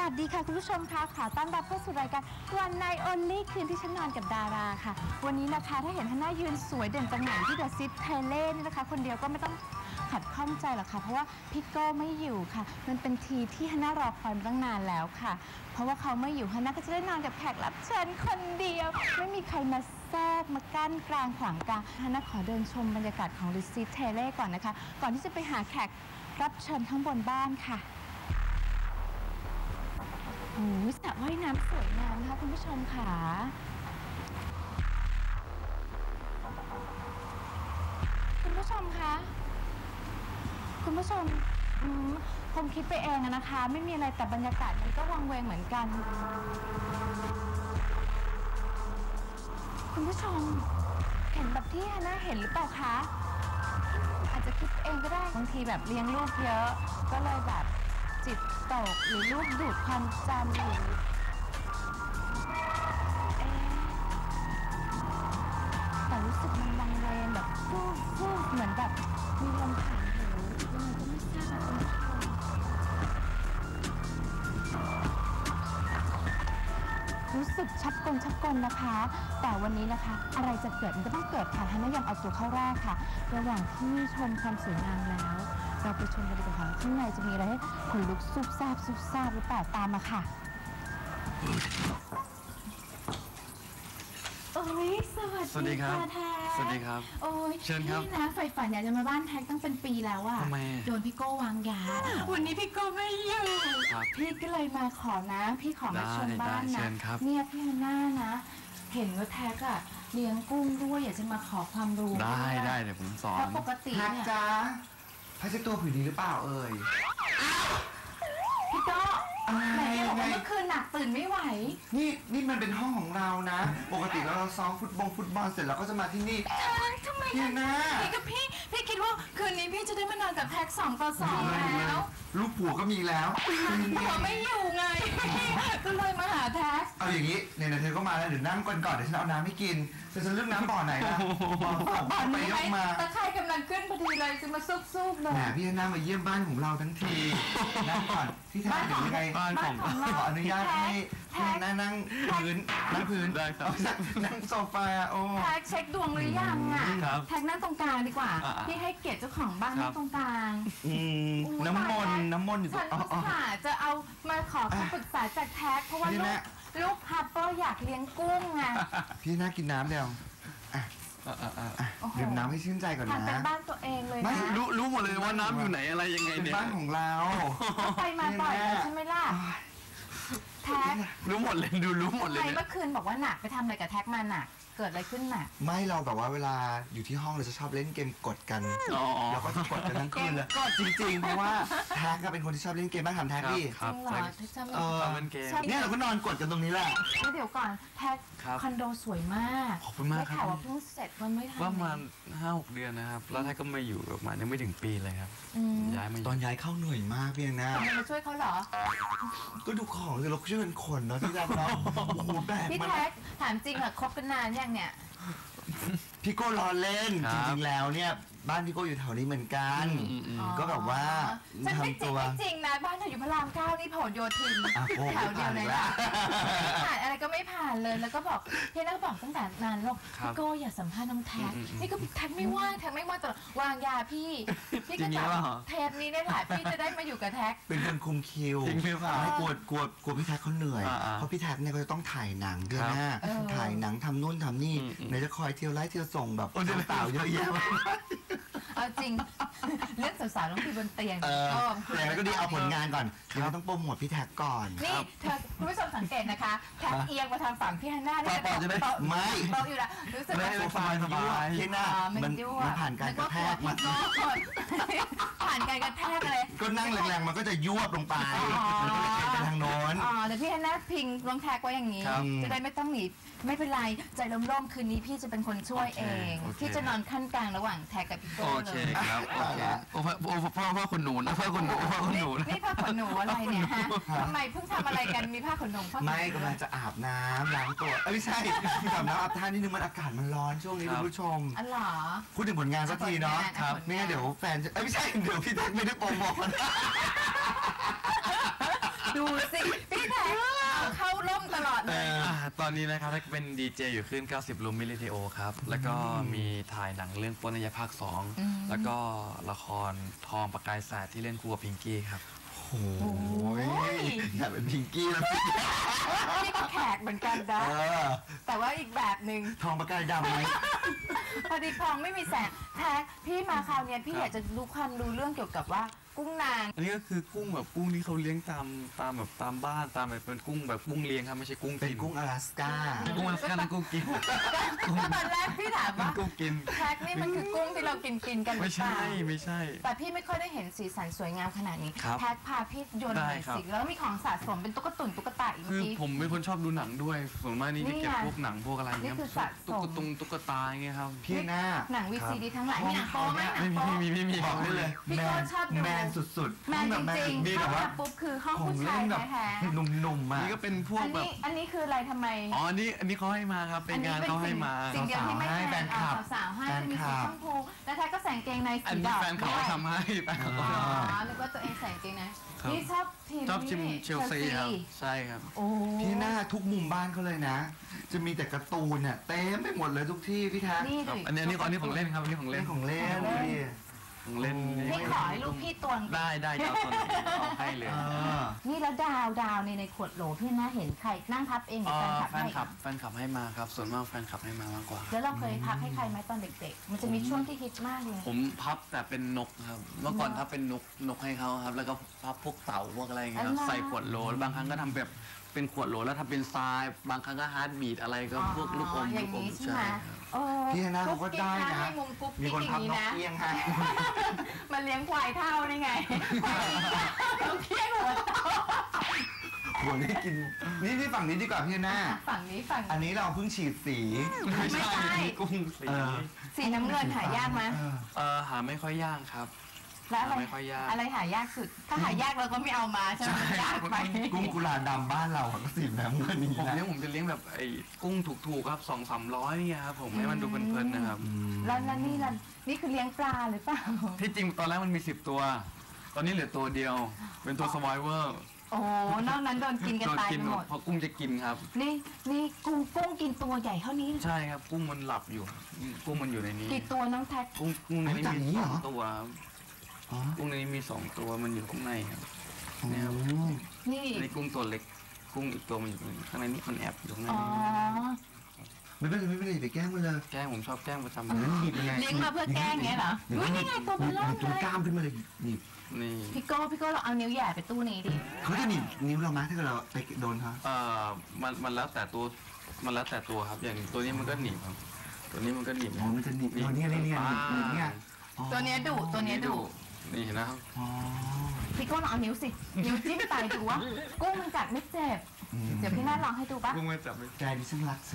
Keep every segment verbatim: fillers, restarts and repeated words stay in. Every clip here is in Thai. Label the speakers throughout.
Speaker 1: วัสดีค่ะคุณผู้ชมคะขอต้อนรับเข้าสู่รายการวันไนท์ออนลี่คืนที่ฉันนอนกับดาราค่ะวันนี้นะคะถ้าเห็นฮันน่ายืนสวยเด่นสง่าที่เดอะซิตเทเล่นี่นะคะคนเดียวก็ไม่ต้องขัดข้องใจหรอกค่ะเพราะว่าพี่โก้ไม่อยู่ค่ะมันเป็นทีที่ฮันน่ารอคอยมาตั้งนานแล้วค่ะเพราะว่าเขาไม่อยู่ฮันน่าก็จะได้นอนกับแขกรับเชิญคนเดียวไม่มีใครมาแทรกมากั้นกลางขวางกลางฮันน่าขอเดินชมบรรยากาศของเดอะซิตเทเล่ก่อนนะคะก่อนที่จะไปหาแขกรับเชิญข้างบนบ้านค่ะโอ้ยสระว่ายน้ำสวยงามนะคะคุณผู้ชมค่ะคุณผู้ชมคะคุณผู้ชมคงคิดไปเองนะคะไม่มีอะไรแต่บรรยากาศมันก็วังเวงเหมือนกันคุณผู้ชมเห็นแบบที่ฮันน่าเห็นหรือเปล่าคะอาจจะคิดเองก็ได้บางทีแบบเลี้ยงลูกเยอะก็เลยแบบจิตตกหรือลูกดูดความจำหรือเอ๊ะแต่รู้สึกมันวังเวงแบบฟู่ฟู่เหมือนแบบมีลมผ่านหูยังไงก็ไม่ทราบคุณผู้ชมรู้สึกชักกลชักกลนะคะแต่วันนี้นะคะอะไรจะเกิดมันก็ต้องเกิดค่ะฮันน่ายังเอาตัวเข้าแรกค่ะระหว่างที่ชมความสวยงามแล้วเราไปชมกันดีกว่าค่ะข้างในจะมีอะไรให้ขนลุกซุบซาบซุบซาบหรือเปล่าตามมาค่ะโอ้ยสวัสดีค่ะแท็ก
Speaker 2: สวัสดีครับ
Speaker 1: โอ้ย
Speaker 2: เชิญครับ
Speaker 1: พี่นะใฝ่ฝันอยากจะมาบ้านแท็กตั้งเป็นปีแล้วอะ
Speaker 2: ทำไมโ
Speaker 1: ดนพี่โก้วางยาวันนี้พี่โก้ไม่อยู่พี่ก็เลยมาขอนะพี่ขอมาชมบ้านนะเนี่ยพี่ฮันน่านะเห็นว่าแท็กอะเลี้ยงกุ้งด้วยอยากจะมาขอความรู้
Speaker 2: ได้ได้เดี๋ยวผมสอน
Speaker 1: เพราะปกติเนี่ย
Speaker 3: จ้าผ้าเช็ดตัวผืนนี้หรือเปล่าเอ่ย
Speaker 1: พี่โก้ไหนบอกว่าเมื่อคืนหนักตื่นไม่ไหว
Speaker 3: นี่นี่มันเป็นห้องของเรานะปกติแล้วเราซ้อมฟุตบอลฟุตบอลเสร็จแล้วก็จะมาที่นี่
Speaker 1: ทำไม
Speaker 3: พี่นะ
Speaker 1: พี่กับพี่พี่คิดว่าคืนนี้พี่จะได้มานอนกับแท็กสองต่อสองแล้ว
Speaker 3: ลูกผัวก็มีแล้ว
Speaker 1: ผัวไม่อยู่ไงก็เลยมาหาแท็ก
Speaker 3: เอาอย่างนี้เนี่ยเธอก็มาแล้วเดี๋ยวนั่งก่อนก่อนเดี๋ยวฉันเอาน้ำให้กินเธอจะเลือกน้ำบ่อไหนล่ะ
Speaker 1: บ่อนี้ไหมตะไคร่กำลังขึ้นพอดีเลยจะมาซุบๆเลย
Speaker 3: แหมพี่ฮันน่ามาเยี่ยมบ้านของเราทั้งทีนั่งก่อนพี่แท็กเดี๋ยวยังไงขออนุญาตให้พี่ฮันน่านั่งพื้นนั่งพื้น
Speaker 2: ได้ครับ
Speaker 3: นั่งโซฟาโอ้
Speaker 1: แท็กเช็คดวงหรือยังอ่ะแท็กนั่งตรงกลางดีกว่าพี่ให้เกียรติเจ้าของบ้านนั่งตรงกลาง
Speaker 3: น้ำมนต์น้ำมนต์อยู่ตรง
Speaker 1: ฉันค่ะจะเอามาขอคำปรึกษาจากแท็กเพราะว่าลูกลูกฮับเปอร์อยากเลี้ยงกุ้งไง
Speaker 3: พี่น่ากินน้ำเดียวดื่มน้ำให้ชื่นใจก่อนนะ
Speaker 1: เป็นบ้านตัวเองเลยนะ
Speaker 2: รู้รู้หมดเลยว่าน้ำอยู่ไหนอะไรยังไงเนี่ย
Speaker 3: บ้านของเรา
Speaker 1: ไปมาบ่อยใช่ไหมล่ะแท็ก
Speaker 2: รู้หมดเลยดูรู้หมดเลย
Speaker 1: เมื่อคืนบอกว่าหนักไปทำอะไรกับแท็กมาหนักเกิดอะไรขึ้นหนัก
Speaker 3: ไม่เราแบบว่าเวลาอยู่ที่ห้องเราจะชอบเล่นเกมกดกันแล้วก็จะกดกันทั้งคืนเลยจริงๆเพราะว่าแท็กก็เป็นคนที่ชอบเล่นเกมบ้างถามแท็กดิ
Speaker 1: จริงเหรอที่ชอบ
Speaker 2: เล่นเกม
Speaker 3: เนี่ยเราก็นอนกดกันตรงนี้แหละ
Speaker 1: เดี๋ยวก่อนแท็กคอนโดสวยมาก
Speaker 2: ขอบคุณมากครับ
Speaker 1: ข่าวว่าเพิ่งเสร็จมันไม่ทัน
Speaker 2: ประมาณห้าหกเดือนนะครับแล้วแท็กก็มาอยู่ประมาณยังไม่ถึงปีเลยครับย้ายมา
Speaker 3: ตอนย้ายเข้าเหนื่อยมากเพียงนะ
Speaker 1: มาช่วยเขาเหรอ
Speaker 3: ก็ดูของเราช่วยกันขนเนาะที่ร้านเนาะโอ้โหแบก
Speaker 1: พี่แท็กถามจริงเหรอคบกันนานยังเนี่ย
Speaker 3: พี่โก้ล้อเล่นจริงๆแล้วเนี่ยบ้านพี่โก้อยู่แถวนี้เหมือนกันก็แบบว่า
Speaker 1: ทำตัวจริงนะบ้านเธออยู่พระรามเก้านี่ผลโยธินแถวเดียวเลยนะผ่านอะไรก็ไม่ผ่านเลยแล้วก็บอกพี่นักบอกตั้งแต่นานแล้วพี่โก้อย่าสัมภาษณ์น้องแท็กนี่ก็แท็กไม่ว่างแท็กไม่ว่างแต่วางยาพี่พี่ก็จับเทปนี้ได้แหละพี่จะได้มาอยู่กับแท็ก
Speaker 3: เป็นคนคุมคิวไม่กลัวกลัวกลัวพี่แท็กเขาเหนื่อยเพราะพี่แท็กเนี่ยเขาจะต้องถ่ายหนังเดือนหน้าถ่ายหนังทำนู่นทำนี่ไหนจะคอยเที่ยวไล่เที่ยวส่งแบบสาวเยอะแยะ
Speaker 1: เอาจริงเรื่องสาวๆต้องคือบนเตียง
Speaker 3: แต่แล้วก็ดีเอาผลงานก่อนเดี๋ยวต้องโปรโมทพี่แท็กก่อน
Speaker 1: นี่เธอคุณผู้ชมสังเกตนะคะแท็กเอียงมาทางฝั่งพี่ฮันน่าเนี่ย
Speaker 3: โต๊ะไม่
Speaker 1: โต๊ะอยู่ละรู้สึกว่า
Speaker 3: โซฟาสบายพี่น่ามันมันผ่านการกระแทกมา
Speaker 1: ผ่านการกระแทกอะไร
Speaker 3: ก็นั่งแรงๆมันก็จะยวบลงไปไปทางโน้น
Speaker 1: อ๋อแต่พี่ฮันน่าพิงรองแท็กไว้อย่างนี้จะได้ไม่ต้องหนีไม่เป็นไรใจร่มๆคืนนี้พี่จะเป็นคนช่วยเองพี่จะนอนขั้นกลางระหว่างแท็กกับพี่โก้เลย
Speaker 2: โอเคครับโอเคโอ้พ่อโอ้พ่อพ่อคนหนูนะพ่อคนหนูพ่อคนหนู
Speaker 1: นี่ผ้าขนหนูอะไรเนี่ยฮะทำไมเพิ่งทำอะไรกันมีผ้าขนหนู
Speaker 3: ไม่กำลังจะอาบน้ำล้างตัวไม่ใช่อาบน้ำอาบท่านิดนึงมันอากาศมันร้อนช่วงนี้คุณผู้ชม
Speaker 1: อ๋อเหรอ
Speaker 3: พูดถึงผลงานสักทีเนาะครับไม่งั้นเดี๋ยวแฟนจะไม่ใช่เดี๋ยวพี่แท็กไม่ได้โปรโมท
Speaker 1: ดูสิพี่ล่มตลอดเลย
Speaker 2: อ่าตอนนี้นะครับถ้าเป็นดีเจอยู่ขึ้นเก้าสิบ ลูมิลิเทโอครับ แล้วก็มีถ่ายหนังเรื่องปนยภาคสองแล้วก็ละครทองประกายแสดที่เล่นคู่กับพิงกี้ครับ
Speaker 3: โอ้ยอยากเป็นพิงกี้แล้วพี่
Speaker 1: นี่ก็แขกเหมือนกันนะ
Speaker 3: เออ
Speaker 1: แต่ว่าอีกแบบหนึ่ง
Speaker 3: ทองประกายดำไหม
Speaker 1: พอดีคลองไม่มีแสงแท็กพี่มาคราวเนี้ยพี่อยากจะรู้ความรู้เรื่องเกี่ยวกับว่ากุ้งนาง
Speaker 2: อันนี้ก็คือกุ้งแบบกุ้งที่เขาเลี้ยงตามตามแบบตามบ้านตามแบบเป็นกุ้งแบบกุ้งเลี้ยงครับไม่ใช่กุ้ง
Speaker 3: เป็น
Speaker 2: กิน
Speaker 3: กุ้งอลาสก้า
Speaker 2: กุ้งมันกันกุ้งกิน
Speaker 1: ก็ตอนแรกพี่ถามว่า
Speaker 2: กุ้งกิน
Speaker 1: แท็กนี่มันคือกุ้งที่เรากินกินกันหรื
Speaker 2: ไม่
Speaker 1: อเป
Speaker 2: ใช่
Speaker 1: ล่า
Speaker 2: ไม่ใช่
Speaker 1: แต่พี่ไม่ค่อยได้เห็นสีสันสวยงามขนาดนี้
Speaker 2: ครับ
Speaker 1: แท็กพาพี่โยนหน่อย
Speaker 2: ได้ครับ
Speaker 1: สิแล้วมีของสะสมเป็นตุ๊กตุนตุ๊กตาอีก
Speaker 2: คือ
Speaker 1: ที
Speaker 2: ผมเป็นคนชอบดูหนังด้วยส่วนมากนี่จะเก็บ
Speaker 1: นี่ไง
Speaker 2: พวกหนังพวกอะไรเงี้ย
Speaker 1: นี่คือสะสม
Speaker 2: ตุ๊กตุงตุ๊กตาอย่างเงี้ยครับ
Speaker 3: พี่หน้า
Speaker 1: หนังวีซีดีทั้งหลายมีหนังโป๊ไหมหนั
Speaker 2: ไม่
Speaker 1: ง
Speaker 2: มี
Speaker 1: โป๊
Speaker 2: ไม่มีไม่มี
Speaker 3: บอกได้เลย
Speaker 1: พี่
Speaker 3: แม
Speaker 1: โก้
Speaker 3: น
Speaker 1: ชอบดู
Speaker 3: แมนสุดๆ
Speaker 1: แมนจริง
Speaker 3: มี
Speaker 1: ๆ
Speaker 3: แบ
Speaker 1: เข้า
Speaker 3: บว่า
Speaker 1: มาปุ๊บคือห้อง
Speaker 3: ของ
Speaker 1: ผู้
Speaker 3: เล่
Speaker 1: ชาย
Speaker 3: นแบบ
Speaker 1: แท้
Speaker 3: หนุ่มๆมา
Speaker 2: นี่ก็เป็นพ
Speaker 1: ๆ
Speaker 2: วก
Speaker 1: อัน
Speaker 2: แบ
Speaker 1: นี้
Speaker 2: บ
Speaker 1: อันนี้คืออะไรทำไม
Speaker 2: อ๋ออันนี้อันนี้เขาให้มาครับเป็นงานเขาให้มา
Speaker 1: สิ่งเดียวที่ไม่
Speaker 3: สาวๆให้
Speaker 1: แพ
Speaker 3: แฟ
Speaker 1: ง
Speaker 3: นคลับ
Speaker 1: สาวๆให้
Speaker 3: แฟน
Speaker 1: มี
Speaker 3: คลั
Speaker 1: สี
Speaker 3: บ
Speaker 1: ชมพูแล้วแท้ก็ใส่กางเกงใน
Speaker 2: อัน
Speaker 1: สี
Speaker 2: นี้
Speaker 1: ดำ
Speaker 2: แฟนเขา
Speaker 1: ด้วย
Speaker 2: ทำให้แฟนเขา
Speaker 1: อ๋อ
Speaker 2: ทำให้
Speaker 1: นึกว่าตัวเองใส่กางเกงใน
Speaker 2: ครับ
Speaker 1: นี่ชอบทีม
Speaker 2: ชอบชิม
Speaker 1: นี่
Speaker 2: เชลซีครับใช่ครับ
Speaker 1: โอ้
Speaker 3: พี่หน้าทุกมุมบ้านเขาเลยนะ จะมีแต่การ์ตูนเนี่ยเต็มไปหมดเลยทุกที่พี่แท้
Speaker 1: นี่
Speaker 2: ครับ
Speaker 1: ดิ
Speaker 2: อันนี้อันนี้อันนี้ของเล่นครับอันนี้ของเล่
Speaker 3: เล่
Speaker 2: น
Speaker 3: นของเล่นดิ
Speaker 2: ของเล่น
Speaker 1: พี่ขอให้ลูกพี่ตวง
Speaker 2: ได้ได้จะเอาตัวไหนเอาให้เลย
Speaker 3: เออ
Speaker 1: นี่แล้วดาวดาวในในขวดโหลพี่น่าเห็นใครนั่งพับเองหรื
Speaker 2: เอ่
Speaker 1: อ
Speaker 2: อ
Speaker 1: แฟ
Speaker 2: แฟ
Speaker 1: น
Speaker 2: น
Speaker 1: ค
Speaker 2: ค
Speaker 1: ลั
Speaker 2: ลั
Speaker 1: บบ ให้
Speaker 2: แฟนคลับให้มาครับส่วนมากแฟนคลับให้มามากกว่า
Speaker 1: แล้วเราเคยพับให้ใครไหมตอนเด็กๆ มันจะมีช่วงที่ฮิตมากเลย
Speaker 2: ผมพับแต่เป็นนกครับ เมื่อก่อนพับเป็นนกนกให้เขาครับ แล้วก็พับพวกเต่าพวกอะไรอย่างเงี้ยครับ
Speaker 1: อ๋อ
Speaker 2: ใส่ขวดโหลบางครั้งก็ทำแบบเป็นขวดโหลแล้วทำเป็นทราย บางครั้งก็ฮาร์ดบีทอะไรก็พวกลูกอม
Speaker 1: อ
Speaker 2: ลู
Speaker 1: ย่าง
Speaker 2: กอม
Speaker 1: นี้ใช่ไหม
Speaker 2: ครับ
Speaker 1: เออ
Speaker 3: พี่หน้าเขาก็ได้นะ
Speaker 1: ให้มุมกุ๊ก
Speaker 3: มี
Speaker 1: กิ๊ก
Speaker 3: คน
Speaker 1: อย่า
Speaker 3: พับ
Speaker 1: งนี้
Speaker 3: นก
Speaker 1: นะ
Speaker 3: เอี้ยงให้
Speaker 1: มันเลี้ยงควายเท่านี่ไงเราเคี้ยงหัวโต
Speaker 3: หัวนี่กิน นี่ที่ฝั่งนี้ดีกว่าพี่หน้า
Speaker 1: ฝั่งนี้ฝั่ง
Speaker 3: อันนี้เราเพิ่งฉีดสี
Speaker 1: ไม่ใช่
Speaker 2: กุ้งสี
Speaker 3: เออ
Speaker 1: สีน้ำเงินหายากไหม
Speaker 3: เออ
Speaker 2: เออหาไม่ค่อยยากครับ
Speaker 1: แล้วอะไร
Speaker 2: ไม่ค่อยยาก
Speaker 1: อะไรหายากสุด ถ้าหายากเราก็ไม่เอามาใช่ไหมมันยากไป
Speaker 3: กุ้งกุลาดำบ้านเราอะก็สีน้ำเงินนี้
Speaker 2: ผม
Speaker 3: นะ
Speaker 2: เลี้ยงผมจะเลี้ยงแบบไอ้กุ้งถูกๆครับสองสามร้อยเนี่ยครับผมให้มันดูเพลินๆนะครับ
Speaker 1: แล้วแล้วนี่ล่ะนี่คือเลี้ยงปลาหรือเปล่า
Speaker 2: ที่จริงตอนแรกมันมีสิบตัว ตอนนี้เหลือตัวเดียว เป็นตัว survivor
Speaker 1: โอ้โหนอกนั้นโดนกินกัน
Speaker 2: โดน
Speaker 1: ตาย
Speaker 2: กิน
Speaker 1: ไป
Speaker 2: ห
Speaker 1: ห
Speaker 2: ม
Speaker 1: ม
Speaker 2: ด
Speaker 1: ด
Speaker 2: เพราะกุ้งจะกินครับ
Speaker 1: นี่นี่กุ้งกุ้งกินตัวใหญ่เท่านี้
Speaker 2: ใช่ครับกุ้งมันหลับอยู่ กุ้งมันอยู่ในนี้
Speaker 1: กี่ตัวน้องแท็ก
Speaker 2: กุ้งกุ้งในนี้มีสองตัวครับ
Speaker 3: อ๋อ
Speaker 2: กุ้งในนี้มีสองตัวมันอยู่ข้างในครับ เนี่ยครับ
Speaker 1: นี่
Speaker 2: อันนี้กุ้งตัวเล็ก กุ้งอีกตัวมันอยู่ข้างในนี้มันแอบอยู่ข้างใน
Speaker 1: อ๋อ
Speaker 2: นี้
Speaker 3: ไม่เป็นไรไม่เป็นไรไปแกล้งมันเลย
Speaker 2: แกล้งผมชอบแกล้งประจำ
Speaker 3: งั้นหยิบยังไง
Speaker 1: เลี้ยงมาเพื่อแกล้งเงี้ยเหรออุ้ยนี่ไงตัวมันเริ่ม
Speaker 3: ตัว
Speaker 1: เลย
Speaker 3: กล้ามขึ้นมาเลยหยิบ
Speaker 2: นี่
Speaker 1: พี่โก้พี่โก้เราเอานิ้วแหย่ไปตู้นี้ดิ
Speaker 3: เขาจะหนีบนิ้วเราไหมถ้าเกิดเราไปโดนเขา
Speaker 2: เอ่อมันมันแล้วแต่ตัวมันแล้วแต่ตัวครับ อย่างตัวนี้มันก็หนีบครับ ตัวนี้มันก็หนีบ
Speaker 3: อ๋อมันจะหนีบตัวเนี้ยเนี่ยเนี่ยหนีบเนี่ยอ๋อ
Speaker 1: ตัวเนี้ยดุตัวเนี้ยดุ
Speaker 2: นี่เห็นะครับ
Speaker 3: อ๋อ
Speaker 1: พี่โก้ลองเอานิ้วสินิ้วจิ้มไปดูว่ากุ้งมันกัดไม่เจ็บ
Speaker 3: อืม
Speaker 1: เดี๋ยวพี่น่าลองให้ดูปะ
Speaker 2: กุ้งไม่จับไม่
Speaker 3: ใจดิฉันรักซึ่ง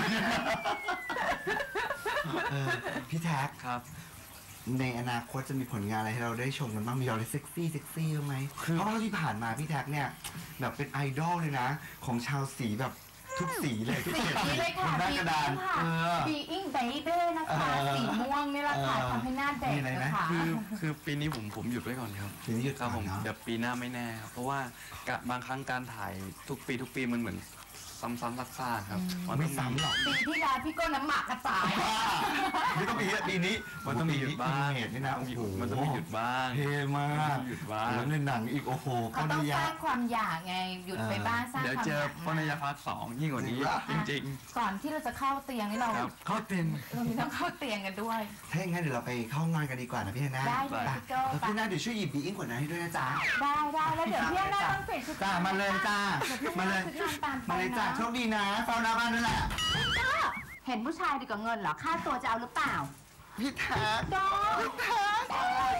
Speaker 3: เออพี่แท็ก
Speaker 2: ครับ
Speaker 3: ในอนาคตจะมีผลงานอะไรให้เราได้ชมกันบ้างมีอะไรเซ็กซี่เซ็กซี่บ้างไหมเพราะว่าที่ผ่านมาพี่แท็กเนี่ยแบบเป็นไอดอลเลยนะ ของชาวสีแบบทุกสีเลยที่
Speaker 1: สี
Speaker 3: เขียน
Speaker 1: นี้เลยค่ะ
Speaker 3: บนหน้าก
Speaker 1: บี
Speaker 3: ระดา
Speaker 1: อิ
Speaker 3: น
Speaker 1: งค่ะ
Speaker 3: เออ
Speaker 1: บีอิงเบเบ้นะคะ
Speaker 3: เออ
Speaker 1: สีม่วงนี่แหละค่ะ
Speaker 3: เออ
Speaker 1: ทำให้หน้าเด็ก
Speaker 3: มีอะไรไหม
Speaker 1: นะคะ
Speaker 2: คือคือปีนี้ผมผมหยุดไว้ก่อนครับ
Speaker 3: สีนี้หยุด
Speaker 2: ครับ
Speaker 3: ก่
Speaker 2: ผ
Speaker 3: อน
Speaker 2: ม
Speaker 3: เนาะ
Speaker 2: เดี๋ยวปีหน้าไม่แน่ครับเพราะว่ากะบางครั้งการถ่ายทุกปีทุกปีมันเหมือนซ้ำๆซากๆครับน
Speaker 3: ไม่
Speaker 2: ต้อง
Speaker 3: ซ้ำหรอก
Speaker 1: ปีที่แล้วพี่โก้น้ำหมักกระจาย
Speaker 3: ไม่ต้องปีนี้ปีนี้
Speaker 2: มันต้องมีหยุดบ้าง
Speaker 3: เหตุนี่นะโอ้โห
Speaker 2: มันต้องมีหยุดบ้าง
Speaker 3: เท่มาก
Speaker 2: หยุดบ้าง
Speaker 3: แล้วในหนังอีกโอ้โห
Speaker 1: เขา
Speaker 3: ก็
Speaker 1: ต้อง
Speaker 3: นิ
Speaker 1: ส
Speaker 3: ยา
Speaker 1: ร้างความอยากไงหยุดไปบ้างสร้าง
Speaker 2: เดี๋ยว
Speaker 1: ความ
Speaker 2: เจ
Speaker 1: อ
Speaker 2: อย
Speaker 1: าก
Speaker 2: ปนยภาคสองยิ่งกว่านี้ จริง
Speaker 1: ก่อนที่เราจะเข้าเตียงนี่เรา
Speaker 2: ๆครับเข้าเต็น
Speaker 1: เรามีต้องเข้าเตียงกันด้วย
Speaker 3: ถ้าอย่างนั้นเดี๋ยวเราไปเข้าห้องนอนกันดีกว่านะพี่ฮาน่า
Speaker 1: ได้เลย
Speaker 3: ไป
Speaker 1: พี่โก้
Speaker 3: แล้วพี่ฮาน่าเดี๋ยวช่วยหยิบบีอิงกว่านั้นให้ด้วยนะจ๊ะ
Speaker 1: ได้ได้แล้วเดี๋ยวพี่หน้าต้องเปลี่ยนชุด
Speaker 3: จ้ามาเลยจ้า มาเลย
Speaker 1: ชุดนอนตามไป
Speaker 3: มาเลยจ้า
Speaker 1: นะ
Speaker 3: โชคดีนะเฝ้าหน้าบ้านด้วยแหละ
Speaker 1: ก็เห็นผู้ชายดีกว่าเงินเหรอค่าตัวจะเอาหรือเปล่า
Speaker 3: พี่แท็ก
Speaker 1: ดอพี่แท็ก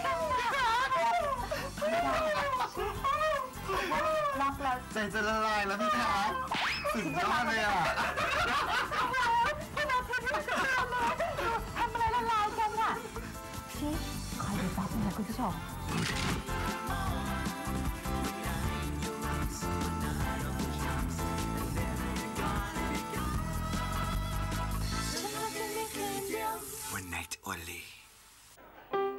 Speaker 1: ล็อกแล้ว
Speaker 3: ใจจะละลายแล้วพี่แท็กสุดยอดเลยอ่ะ
Speaker 1: ทำอะไรละลายกันอ่ะพี่คอยดูแป๊บนึงนะคุณผู้ชม